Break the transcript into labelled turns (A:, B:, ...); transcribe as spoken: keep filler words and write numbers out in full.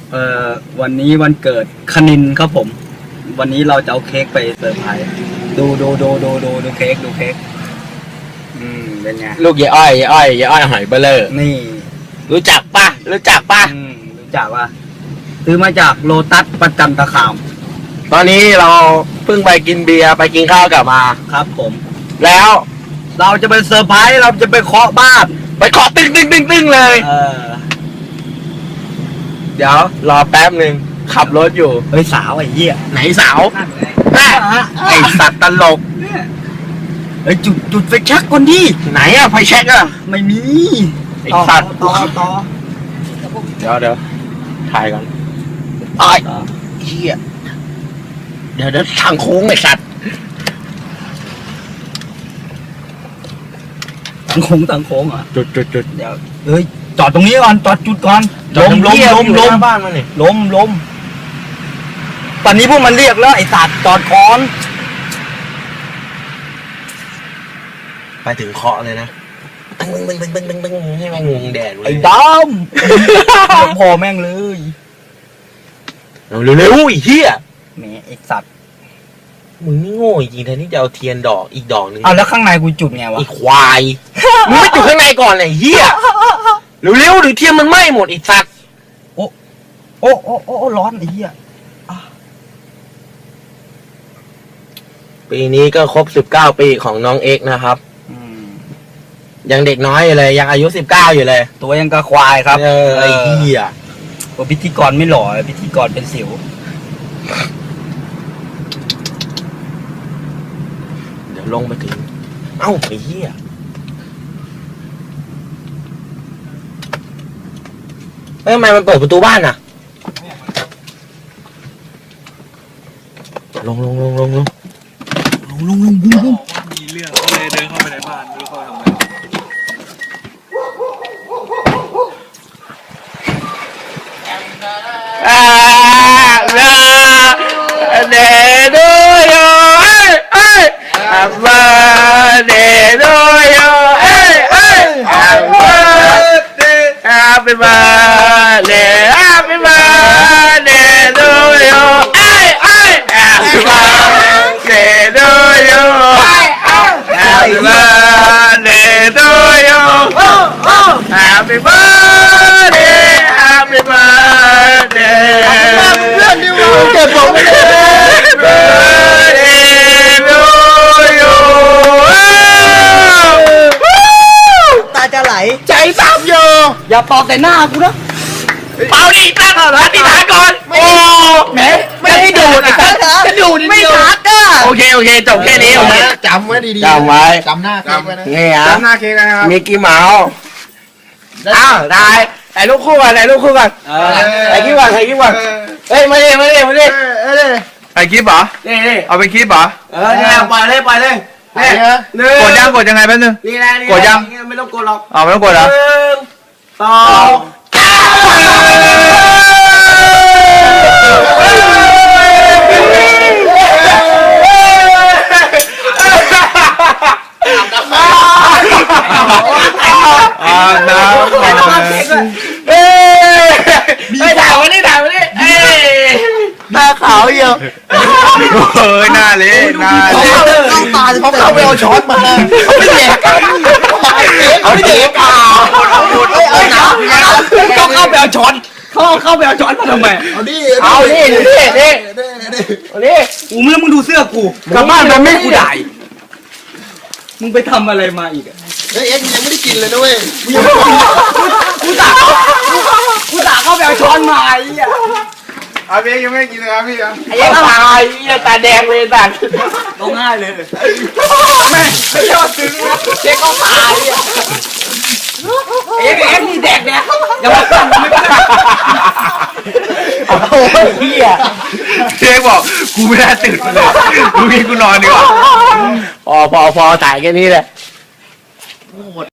A: เอ่อวันนี้วันเกิดคณินครับผมวันนี้เราจะเอาเค้กไปเซอร์ไพรส์ดูดูดูดูดูดูเค้กดูเค้กอืมเป็นไง
B: ลูกยายอ้อยยายอ้อยยายอ้อยหอยเบลเลอร์
A: นี่
B: รู้จักปะรู้จักปะ
A: อืมรู้จักว่าซื้อมาจากโลตัสประจันตคาม
B: ตอนนี้เราเพิ่งไปกินเบียร์ไปกินข้าวกลับมา
A: ครับผม
B: แล้ว
A: เราจะไปเซอร์ไพรส์เราจะไปเคาะบ้าน
B: ไปเคาะตึ้งตึ้งตึ้งตึ้งเลย
A: เออ
B: เดี๋ยวรอแป๊บหนึ่งขับรถอยู่
A: เฮ้ยสาวไอ้เหี้ย
B: ไหนสาวไอสัตว์ตลก
A: เฮ้ยจุดจุดไฟแช็กก่อนดิ
B: ไหนอะไฟแช็กอะ
A: ไม่มี
B: ไอสัตว์
A: ต่อต่อ
B: เดี๋ยวเดี๋ยวถ่ายก่อนไอ้เหี้ยเดี๋ยวเดี๋ยวทางโค้งไอสัตว์
A: ทางโค้งทางโค้งอ่ะ
B: จุดจุดจุด
A: เดี๋ยวเฮ้ยจอดตรงนี้ก่อนจอดจุดก่อนลมลมลมลม
B: บ้านมาเนี่ย
A: ลมลมตอนนี้พวกมันเรียกแล้วไอ้สัตว์จอดก่อน
B: ไปถึงเคาะเลยนะตึ้งตึ้งตึ้งตึ้งตึ้งตึ้งให้แม่งงงแดดเลย
A: ไอ้ดำพอแม่งเลย
B: เร็วเร็วอีเหี้ย
A: แหมไอ้สัตว์
B: มึงนี่โง่จริงแทนที่จะเอาเทียนดอกอีกดอกนึง
A: เอาแล้วข้างในกูจุดไงวะ
B: อีควายมึงไม่จุดข้างในก่อนไอ้เหี้ยเร็วเร็วหรือเทียนมันไหม้หมดอีสัตว์
A: โอ้โอ้โอ้โอ้ร้อนไอ้เหี้ย
B: ปีนี้ก็ครบสิบเก้าปีของน้องเอ็กนะครับยังเด็กน้อยอยู่เลยยังอายุสิบเก้าอยู่เลย
A: ตัวยังกระควายครับ
B: เออไอ้เหี้ย
A: ว่าพิธีกรไม่หล่อพิธีกรเป็นสิว
B: เดี๋ยวลงไปถึงเอ้าไอ้เหี้ยเอ้ยทำไมมันเปิดประตูบ้านอ่ะลงลงลงลงลง
A: ลงลงลงบุ้งบุ้ง
C: มีเรื่องก็เลยเดินเข้าไปในบ้านไม่รู้เขาทำไม
B: อ่าลาเดโดโยเอ้ยเอ้ยอาบาเดโดโยเอ้ยเอ้ยอาบาเดอาบาเดอาบาเดโดโยเอ้ยเอ้ยอาบาเดโดโยHappy birthday to you. Happy birthday, happy birthday. Happy birthday to you.
A: ตาจะไหล
B: ใจซ้ำอยู่
A: อย่าปอกแต่หน้ากูนะ
B: เป่าดิตั้งอธิษฐานก่อนโอ้แหมไม่ได้ดูดอ่ะจะดูด
A: ไม่ชัดอ่ะ
B: โอเคโอเคจบแค่นี้โอเค
C: จำไว้ดี
B: ๆจำไว้
C: จำหน้าเค้กไว้นะ
B: นี่ฮะ
C: จำหน้าเค้กนะครับ
B: มิกกี้เมาส์อ้าวได้ถ่ายรูปคู่กันถ่ายรูปคู่กันถ่ายคลิปก่อนถ่ายคลิปก่อนเฮ้ยมาดิมาดิมาดิ
C: ถ่ายคลิปเหรอ
B: นี่นี่
C: เอาไปคลิปเหรอ
B: เออเนี่ยปล่อยเลยปล่อยเลย
C: กดยังกดยังไงแป๊บนึง
B: นี่แหละ
C: กดยัง
B: ไม่ต้องกดหรอก
C: อ๋อไม่ต้องกดเหรอ
B: หนึ่งสอง
C: อ่าน้ำ
B: เอ้ยไม่ถ่ายวันนี้ถ่ายวันนี้เอ้ยหน้าขาวเยอะ
C: เฮ้ยหน้าเละหน้าเละ
A: เข้าตา
B: เขาเข้าไปเอาช้อนมาเขาไม่แดกกันเขาไม่แดกกัน
A: เอาน้ำต้องเข้าไปเอาช้อนเขาเข้าไปเอาช้อนมาทำไม
C: เอาดิ
B: เอาดิดิดิดิเอาดิ
A: กูมึงมึงดูเสื้อกูกลับบ้านมันไม่กูได้มึงไปทำอะไรมาอีกอะ
C: เฮ้ยเอ็กซ์ยังไม่ได้กินเลยนะเว้ย
A: กูตากูตาเข้าไปเอาช้อนมาไอ้เหี้ย
C: อาเบยังไม่กินเลยครับพี่ครับ
B: ไอ้ยังตายไอ้ตาแดงเลยตา
A: ร้องไห้เลยแม่ไม่ยอดซึ้งเจ๊ก็ตายเอ็กเอ็กนี่แดกเนี่ยอย่ามาสั่งไม่ได้
B: โอ้ยเหี้ย
C: เจ๊บอกกูไม่ได้ตื่นมาเลยกูกินกูนอนดีกว่า
B: พอพอพอถ่ายแค่นี้แหละ